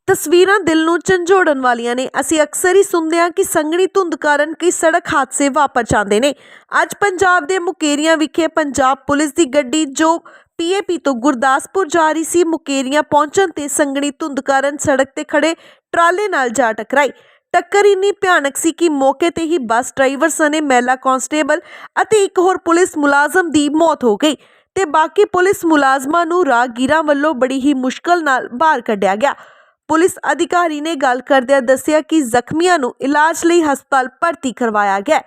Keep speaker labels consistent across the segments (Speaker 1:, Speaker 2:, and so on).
Speaker 1: ਤਸਵੀਰਾਂ ਦਿਲ ਨੂੰ ਝੰਜੋੜਨ ਵਾਲੀਆਂ ਨੇ। ਅਸੀਂ ਅਕਸਰ ਹੀ ਸੁਣਦੇ ਹਾਂ ਕਿ ਸੰਘਣੀ ਧੁੰਦ ਕਾਰਨ ਕਈ ਸੜਕ ਹਾਦਸੇ ਵਾਪਰ ਜਾਂਦੇ ਨੇ। ਅੱਜ ਪੰਜਾਬ ਦੇ ਮੁਕੇਰੀਆਂ ਵਿਖੇ ਪੰਜਾਬ ਪੁਲਿਸ ਦੀ ਗੱਡੀ ਜੋ ਪੀਏਪੀ ਤੋਂ ਗੁਰਦਾਸਪੁਰ ਜਾ ਰਹੀ ਸੀ, ਮੁਕੇਰੀਆਂ ਪਹੁੰਚਣ ਤੇ ਸੰਘਣੀ ਧੁੰਦ ਕਾਰਨ ਸੜਕ ਤੇ ਖੜੇ ਟਰਾਲੇ ਨਾਲ ਜਾ ਟਕਰਾਈ। ਟੱਕਰ ਇੰਨੀ ਭਿਆਨਕ ਸੀ ਕਿ ਮੌਕੇ ਤੇ ਹੀ ਬੱਸ ਡਰਾਈਵਰ ਸਣੇ ਮਹਿਲਾ ਕਾਂਸਟੇਬਲ ਅਤੇ ਇੱਕ ਹੋਰ ਪੁਲਿਸ ਮੁਲਾਜ਼ਮ ਦੀ ਮੌਤ ਹੋ ਗਈ ਤੇ ਬਾਕੀ ਪੁਲਿਸ ਮੁਲਾਜ਼ਮਾਂ ਨੂੰ ਰਾਹਗੀਰਾਂ ਵੱਲੋਂ ਬੜੀ ਹੀ ਮੁਸ਼ਕਲ ਨਾਲ ਬਾਹਰ ਕੱਢਿਆ ਗਿਆ। ਪੁਲਿਸ ਅਧਿਕਾਰੀ ਨੇ ਗੱਲ ਕਰਦਿਆਂ ਦੱਸਿਆ ਕਿ ਜ਼ਖਮੀਆਂ ਨੂੰ ਇਲਾਜ ਲਈ ਹਸਪਤਾਲ ਭਰਤੀ ਕਰਵਾਇਆ ਗਿਆ।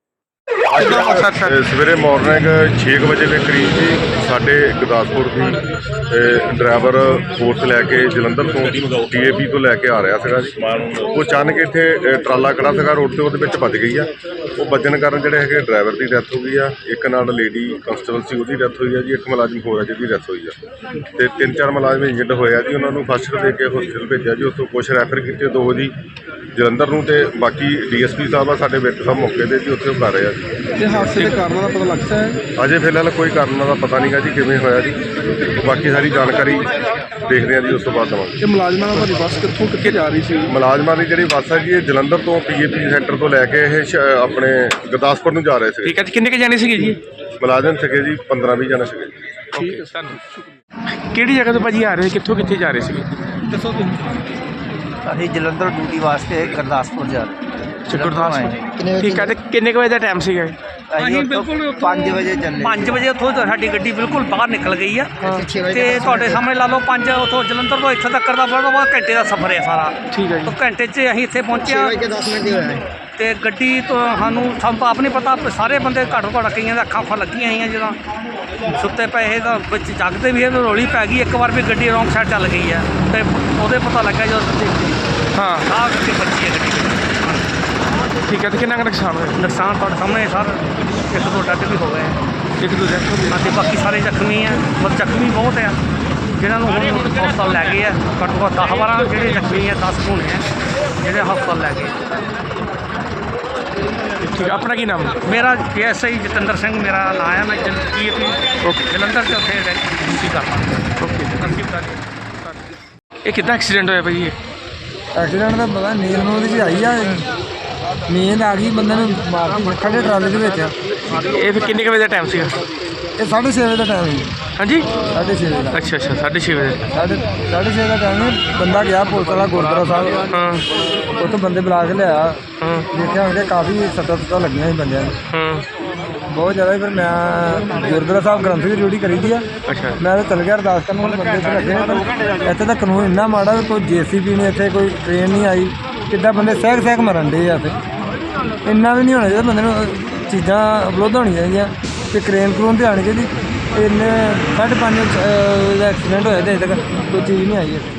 Speaker 2: ਸਵੇਰੇ ਮਾਰਨਿੰਗ 6 ਵਜੇ ਦੇ ਕਰੀਬ ਜੀ ਸਾਡੇ ਗੁਰਦਾਸਪੁਰ ਦੀ ਡਰਾਈਵਰ ਫੋਰਸ ਲੈ ਕੇ ਜਲੰਧਰ ਤੋਂ ਪੀਏਪੀ ਤੋਂ ਲੈ ਕੇ ਆ ਰਿਹਾ ਸੀਗਾ ਜੀ। ਉਹ ਅਚਾਨਕ ਇੱਥੇ ਟਰਾਲਾ ਖੜਾ ਸੀਗਾ ਰੋਡ ਤੇ, ਉਹਦੇ ਵਿੱਚ ਵੱਜ ਗਈ ਆ। ਉਹ ਵੱਜਣ ਕਾਰਨ ਜਿਹੜੇ ਹੈਗੇ ਡਰਾਈਵਰ ਦੀ ਡੈਥ ਹੋ ਗਈ ਆ, ਇੱਕ ਨਾਲ ਲੇਡੀ ਕਾਂਸਟੇਬਲ ਸੀ ਉਹਦੀ ਡੈਥ ਹੋਈ ਆ ਜੀ, ਇੱਕ ਮੁਲਾਜ਼ਮ ਹੋਰ ਆ ਜਿਹਦੀ ਡੈਥ ਹੋਈ ਆ ਤੇ 3-4 ਮੁਲਾਜ਼ਮ ਇੰਜਰਡ ਹੋਏ ਆ ਜੀ। ਉਹਨਾਂ ਨੂੰ ਫਸਟ ਏਡ ਦੇ ਕੇ ਹਸਪਤਾਲ ਭੇਜਿਆ ਜੀ। ਉੱਥੋਂ ਕੁਛ ਰੈਫਰ ਕੀਤੇ, 2 ਜੀ ਜਲੰਧਰ ਨੂੰ ਤੇ ਬਾਕੀ ਡੀਐਸਪੀ ਸਾਹਿਬ ਆ ਸਾਡੇ ਵਿੱਚ ਸਾਹਿਬ ਮੌਕੇ ਤੇ ਜੀ, ਉੱਥੇ ਉਹ ਕਰ ਰਹੇ ਆ ਜੀ।
Speaker 3: ਤੇ ਹਾਦਸੇ ਦੇ ਕਾਰਨਾਂ ਦਾ ਪਤਾ ਲੱਗਦਾ ਹੈ?
Speaker 2: ਅਜੇ ਫਿਲਹਾਲ ਕੋਈ ਕਾਰਨ ਦਾ ਪਤਾ ਨਹੀਂਗਾ ਜੀ ਕਿਵੇਂ ਹੋਇਆ ਜੀ। ਬਾਕੀ ਸਾਰੀ ਜਾਣਕਾਰੀ ਦੇਖਦੇ ਆ ਜੀ, ਉਸ ਤੋਂ ਬਾਅਦ ਦੇਵਾਂਗੇ।
Speaker 3: ਤੇ ਮੁਲਾਜ਼ਮਾਂ ਦੀ ਬੱਸ ਕਿੱਥੋਂ ਕਿੱਥੇ ਜਾ ਰਹੀ ਸੀ?
Speaker 2: ਮੁਲਾਜ਼ਮਾਂ ਦੀ ਜਿਹੜੀ ਬੱਸ ਹੈ ਜੀ ਇਹ ਜਲੰਧਰ ਤੋਂ ਪੀਏਪੀ ਸੈਂਟਰ ਤੋਂ ਲੈ ਕੇ ਇਹ ਆਪਣੇ ਗੁਰਦਾਸਪੁਰ ਨੂੰ ਜਾ ਰਹੇ ਸੀ।
Speaker 4: ਠੀਕ ਹੈ ਜੀ। ਕਿੰਨੇ ਕੁ ਜਾਣੇ ਸੀਗੇ ਜੀ?
Speaker 2: ਮੁਲਾਜ਼ਮ ਸੀਗੇ ਜੀ 15-20 ਜਣੇ ਸੀਗੇ।
Speaker 4: ਠੀਕ ਹੈ ਸਾਨੂੰ। ਕਿਹੜੀ ਜਗ੍ਹਾ ਤੋਂ ਭਾਜੀ ਆ ਰਹੇ, ਕਿੱਥੋਂ ਕਿੱਥੇ ਜਾ ਰਹੇ ਸੀਗੇ?
Speaker 3: ਦੱਸੋ ਤੁਸੀਂ।
Speaker 5: ਅਸੀਂ ਜਲੰਧਰ ਡਿਊਟੀ ਵਾਸਤੇ ਗੁਰਦਾਸਪੁਰ ਜਾ ਰਹੇ।
Speaker 4: ਗੁਰਦਾਸਪੁਰ। ਠੀਕ ਹੈ। ਤੇ ਕਿੰਨੇ ਕੁ ਵਜੇ ਦਾ ਟਾਈਮ ਸੀਗਾ?
Speaker 5: ਅਸੀਂ ਬਿਲਕੁਲ 5 ਵਜੇ ਚੱਲੇ।
Speaker 6: 5 ਵਜੇ ਉੱਥੋਂ ਸਾਡੀ ਗੱਡੀ ਬਿਲਕੁਲ ਬਾਹਰ ਨਿਕਲ ਗਈ ਆ ਤੇ ਤੁਹਾਡੇ ਸਾਹਮਣੇ ਲਾ ਲਓ 5 ਉੱਥੋਂ ਜਲੰਧਰ ਤੋਂ ਇੱਥੇ ਤੱਕ ਦਾ ਬੜਾ ਘੰਟੇ ਦਾ ਸਫ਼ਰ ਹੈ ਸਾਰਾ।
Speaker 4: ਠੀਕ ਹੈ ਜੀ।
Speaker 6: ਤਾਂ ਘੰਟੇ 'ਚ ਅਸੀਂ ਇੱਥੇ ਪਹੁੰਚਿਆ ਤੇ ਗੱਡੀ ਤੋਂ ਸਾਨੂੰ ਤਾਂ ਆਪ ਨਹੀਂ ਪਤਾ, ਸਾਰੇ ਬੰਦੇ ਘੱਟੋ ਘੱਟ ਕਈਆਂ ਦੇ ਅੱਖਾਂ ਲੱਗੀਆਂ ਹੋਈਆਂ, ਜਦੋਂ ਸੁੱਤੇ ਪਏ ਤਾਂ ਵਿੱਚ ਜਾਗਦੇ ਵੀ ਰੌਲੀ ਪੈ ਗਈ। ਇੱਕ ਵਾਰ ਵੀ ਗੱਡੀ ਰੌਂਗ ਸਾਈਡ ਚੱਲ ਗਈ ਹੈ ਤੇ ਉਹਦੇ ਪਤਾ ਲੱਗਾ ਜਦੋਂ
Speaker 4: ਹਾਂ
Speaker 6: ਆਹ ਕਰਕੇ ਬੱਚੀ ਹੈ ਗੱਡੀ।
Speaker 4: ਠੀਕ ਹੈ। ਤੇ ਕਿੰਨਾ ਕੁ ਨੁਕਸਾਨ ਹੋਇਆ?
Speaker 6: ਨੁਕਸਾਨ ਤੁਹਾਡੇ ਸਾਹਮਣੇ ਸਰ, 1-2 ਡੱਟ ਵੀ ਹੋ ਗਏ।
Speaker 4: 1-2 ਜਣੇ?
Speaker 6: ਅਤੇ ਬਾਕੀ ਸਾਰੇ ਜ਼ਖਮੀ ਆ, ਪਰ ਜ਼ਖਮੀ ਬਹੁਤ ਆ ਜਿਹਨਾਂ ਨੂੰ ਹੁਣ ਹਸਪਤਾਲ ਲੈ ਗਏ ਆ। ਘੱਟੋ ਘੱਟ 10-12 ਜਿਹੜੇ ਜ਼ਖਮੀ ਆ, 10 ਹੋਣੇ ਆ ਜਿਹੜੇ ਹਸਪਤਾਲ ਲੈ ਗਏ।
Speaker 4: ਠੀਕ। ਆਪਣਾ ਕੀ ਨਾਮ?
Speaker 6: ਮੇਰਾ PSI ਜਤਿੰਦਰ ਸਿੰਘ ਮੇਰਾ ਨਾਂ ਆ। ਮੈਂ ਜਲੰਧਰ 'ਚ ਉੱਥੇ ਡਿਊਟੀ ਕਰਦਾ।
Speaker 4: ਓਕੇ। ਇਹ ਕਿੱਦਾਂ ਐਕਸੀਡੈਂਟ ਹੋਇਆ ਭਾਈ?
Speaker 3: ਐਕਸੀਡੈਂਟ ਦਾ ਪਤਾ ਨੀਂਦ ਨੂੰ ਉਹਦੀ 'ਚ ਆਈ ਆ, ਨੀਂਦ ਆ ਗਈ ਬੰਦੇ ਨੂੰ ਮਾਰਦੀ ਖੜੇ ਟਰਾਲੇ ਦੇ ਵਿੱਚ।
Speaker 4: ਇਹ ਫਿਰ ਕਿੰਨੇ ਕੁ ਵਜੇ ਦਾ ਟਾਈਮ ਸੀਗਾ?
Speaker 3: ਇਹ 6:30 ਵਜੇ ਦਾ ਟਾਈਮ ਹੈ।
Speaker 4: ਹਾਂਜੀ
Speaker 3: 6:30 ਵਜੇ ਦਾ।
Speaker 4: ਅੱਛਾ 6:30 ਵਜੇ।
Speaker 3: 6:30 ਦਾ ਟਾਈਮ ਹੈ। ਬੰਦਾ ਗਿਆ ਪੁਲਿਸ ਵਾਲਾ ਗੁਰਦੁਆਰਾ ਸਾਹਿਬ,
Speaker 4: ਹਾਂ
Speaker 3: ਉੱਥੋਂ ਬੰਦੇ ਬੁਲਾ ਕੇ ਲਿਆ।
Speaker 4: ਹਾਂ
Speaker 3: ਦੇਖਿਆ ਹੋਣਗੇ ਕਾਫੀ ਸੱਟਾਂ ਲੱਗੀਆਂ ਸੀ ਬੰਦਿਆਂ ਨੂੰ,
Speaker 4: ਹਾਂ।
Speaker 3: ਬਹੁਤ ਜ਼ਿਆਦਾ। ਫਿਰ ਮੈਂ ਗੁਰਦੁਆਰਾ ਸਾਹਿਬ ਗ੍ਰੰਥ ਦੀ ਡਿਊਟੀ ਕਰੀ ਦੀ ਆ।
Speaker 4: ਅੱਛਾ।
Speaker 3: ਮੈਂ ਤਾਂ ਚੱਲ ਗਿਆ ਅਰਦਾਸ ਕਰਨ, ਹੁਣ ਬੰਦੇ ਇੱਥੇ ਲੱਗੇ ਨੇ। ਪਰ ਇੱਥੇ ਤਾਂ ਕਾਨੂੰਨ ਇੰਨਾ ਮਾੜਾ ਵੀ ਕੋਈ JCB ਨਹੀਂ, ਇੱਥੇ ਕੋਈ ਟ੍ਰੇਨ ਨਹੀਂ ਆਈ। ਕਿੱਦਾਂ ਬੰਦੇ ਸਹਿਕ ਮਰਨ ਡੇ ਆ। ਇੱਥੇ ਇੰਨਾ ਵੀ ਨਹੀਂ ਹੋਣਾ ਚਾਹੀਦਾ ਬੰਦੇ ਨੂੰ, ਚੀਜ਼ਾਂ ਉਪਲਬਧ ਹੋਣੀਆਂ ਚਾਹੀਦੀਆਂ ਅਤੇ ਕਰੇਨ ਤੇ ਆਉਣੀ ਚਾਹੀਦੀ। ਇੰਨੇ 5:30 ਦਾ ਐਕਸੀਡੈਂਟ ਹੋਇਆ ਅਤੇ ਅਜੇ ਤੱਕ ਕੋਈ ਚੀਜ਼ ਨਹੀਂ ਆਈ ਇੱਥੇ।